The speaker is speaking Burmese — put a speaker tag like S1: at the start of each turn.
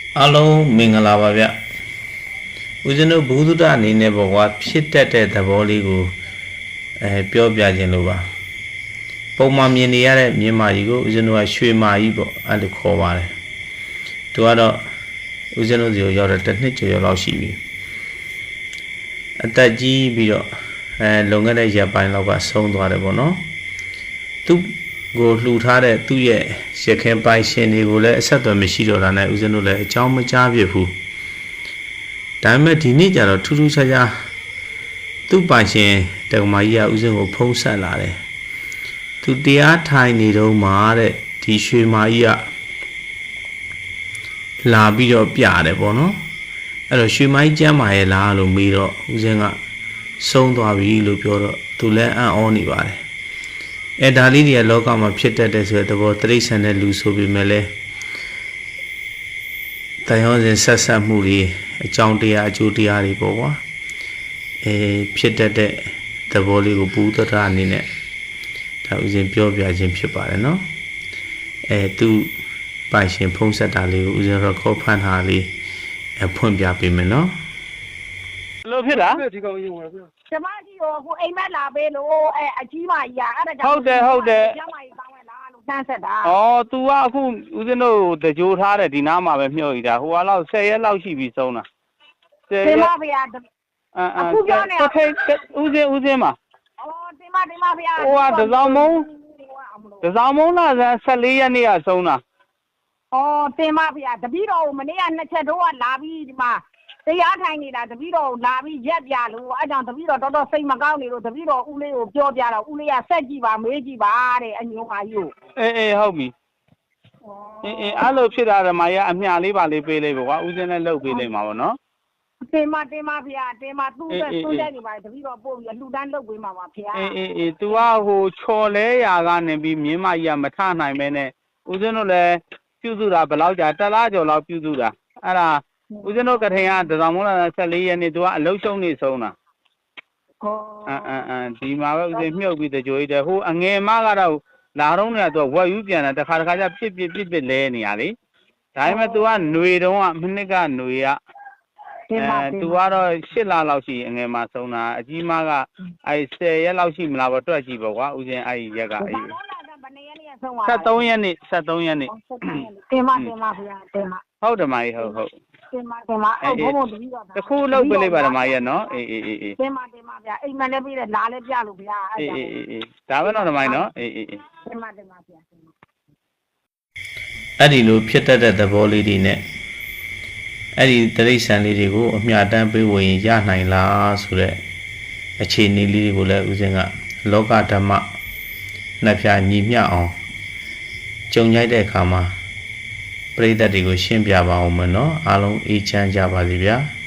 S1: အားလုံးမင်္ဂလာပါဗျဦးဇင်းတို့ဘုဒ္ဓအနေနဲ့ပေါ့ကွာဖြစ်တတ်တဲ့သဘောလေးကိုပြောပြခြင်းလို့ပါပုံမှန်မြင်နေရတဲ့မြင်မာကြီးကိုဦးဇင်းတို့ကရွှေမာကြီးပေါ့အဲ့လိုခေါ်ပါတယ်သူကတော့ဦးဇင်းတို့စီကိုရောက်တဲ့တစ်နှစ်ကျော်လောက်ရှိပြီအသက်ကြီးပြီးတော့လွန်ခဲ့တဲ့ရက်ပိုင်းလောက်ကဆုံးသွားတယ်ပေါ့နော်သူကိုလှူထားတဲ့သူ့ရဲ့ရခင်ပိုင်ရှင်တွေကိုလည်းအဆက်အသွယ်မရှိတော့တာနဲ့ဦးဇင်းတို့လည်းအကြောင်းမကြားပြဘူးဒါပေမဲ့ဒီနေ့ကျတော့ထူးထူးခြားခြားသူ့ပိုင်ရှင်တက္ကမကြီးကဦးဇင်းကိုဖုံးဆက်လာတယ်သူတရားထိုင်နေတော့မှတဲ့ဒီရွှေမာကြီးကလာပြီးတော့ပြတယ်ပေါ့နော်အဲ့တော့ရွှေမာကြီးကျမ်းမာရဲ့လားလို့မေးတော့ဦးဇင်းကဆုံးသွားပြီလို့ပြောတော့သူလည်းအံ့ဩနေပါတယ်ဒါလေးတွေကလောကမှာဖြစ်တတ်တဲ့ဆိုတဲ့သဘောတိရစ္ဆာန်တဲ့လူဆိုပေမဲ့လည်းတရားစဉ်ဆက်ဆက်မှုတွေအကြောင်းတရားအကျိုးတရားတွေပေါ့ကွာဖြစ်တတ်တဲ့သဘောလေးကိုပုဒ္ဒရာအနေနဲ့ဒါဥစဉ်ပြောပြခြင်းဖြစ်ပါတယ်နော်သူပိုင်ရှင်ဖုံးဆက်တာလေးကိုဥစဉ်တော့ခေါ်ဖန်တာလေးဖွင့်ပြပေးမယ်နော်
S2: လို့ဖြစ်တာ
S3: ဒီကောင်ရုံပါဗျာ
S4: ကျမကြီးကိုအခုအိမ်မက်လာပေးလို့အကြီးမကြီးအဲ့ဒါကြောင့်
S2: ဟုတ်တယ်
S4: ကျမကြီးကောင်းရလားလို့တန်းဆက်တာ
S2: तू ကအခုဦးဇင်းတို့တကြိုထားတယ်ဒီနားမှာပဲမြှုပ်ရတာဟိုကတော့10ရက်လောက်ရှိပြီဆုံးတာ
S4: 10ရက်တင်ပါဗျာအခုပြောနေ
S2: ဦးဇင်းမှာ
S4: တင်ပါဗျာ
S2: ဟိုကတစောင်းမုံလာ14ရက်နေ့ကဆုံးတာ
S4: တင်ပါဗျာတပည့်တော်မနေ့က2ချက်တော့လာပြီးဒီမှာတရားထိုင်နေတာတပည့်တော်လာပြီးရက်ပြလို့အဲ့ကြောင့်တပည့်တော်တော်စိတ်မကောင်းနေလို့တပည့်တော်ဦးလေးကိုပြောပြတော့ဦးလေးကဆက်ကြည့်ပါမေးကြည့်ပါတဲ့အညိုမကြီးကို
S2: အေးဟုတ်ပြီအဲ့လိုဖြစ်တာဓမ္မကြီးအမြလေးပါလေးပေးလိုက်ပေါ့ကွာဦးစင်းနဲ့လှုပ်ပေးလိုက်မှာပေါ့နော်
S4: တင်ပါဗျာတင်ပါသူ့တဲ့နေပါတပည့်တော်ပို့ပြီးလှူဒန်းလှုပ်ပေးမှာပါဗျာ
S2: तू ကဟိုချော်လဲရာကနေပြီးမြင်းမကြီးကမထနိုင်ပဲနဲ့ဦးစင်းတို့လည်းပြုစုတာဘယ်လောက်ကြာတစ်လကျော်လောက်ပြုစုတာအဲ့ဒါဦးဇင်းတို့ကထင်ကတစောင်းမုံလာ14ရက်နေ့သူကအလုတ်ရှုံးနေဆုံးတာဒီမှာပဲဦးဇင်းမြုပ်ပြီးတကြိုရတဲ့ဟိုအငယ်မကတော့လာတော့နေတော့ဝက်ယူပြန်တာတခါကျဖြစ်လဲနေရလေဒါပေမဲ့သူကຫນွေတုံးကမနှစ်ကຫນွေကသူကတော့8လလောက်ရှိအငယ်မဆုံးတာအကြီးမက10ရက်လောက်ရှိမလားပေါ့တွက်ကြည့်ပေါ့ကွာဦးဇင်းအဲ့ရက်ကအဲ့73ရက်နေ့
S4: တင်ပါဗျာတင်ပါ
S2: ဟုတ်တယ်မကြီးဟုတ်
S4: တင်ပါဘုံတပည့်တော်
S2: တခုလောက်ပြလိုက်ပါဓမ္မကြီးနော်အေး
S4: တင်ပါဗျာအိမ်မက်လည်းပြီးတယ်လာလည်းပြလို့ဗျာ
S2: အေးဒါပဲနော်ဓမ္မကြီးနော်အေး
S4: တင်ပါဗျာ
S1: အဲ့ဒီလိုဖြစ်တတ်တဲ့သဘောလေးတွေနဲ့အဲ့ဒီတိရစ္ဆာန်လေးတွေကိုအမြတ်တမ်းပေးဝင်ရနိုင်လားဆိုတဲ့အခြေအနေလေးတွေကိုလည်းဦးဇင်းကလောကဓမ္မနှစ်ဖြာညီမျှအောင်ကြုံရိုက်တဲ့အခါမှာပရိသတ်တွေကိုရှင်းပြပါအောင်မယ်နော်အားလုံးအေးချမ်းကြပါစေဗျာ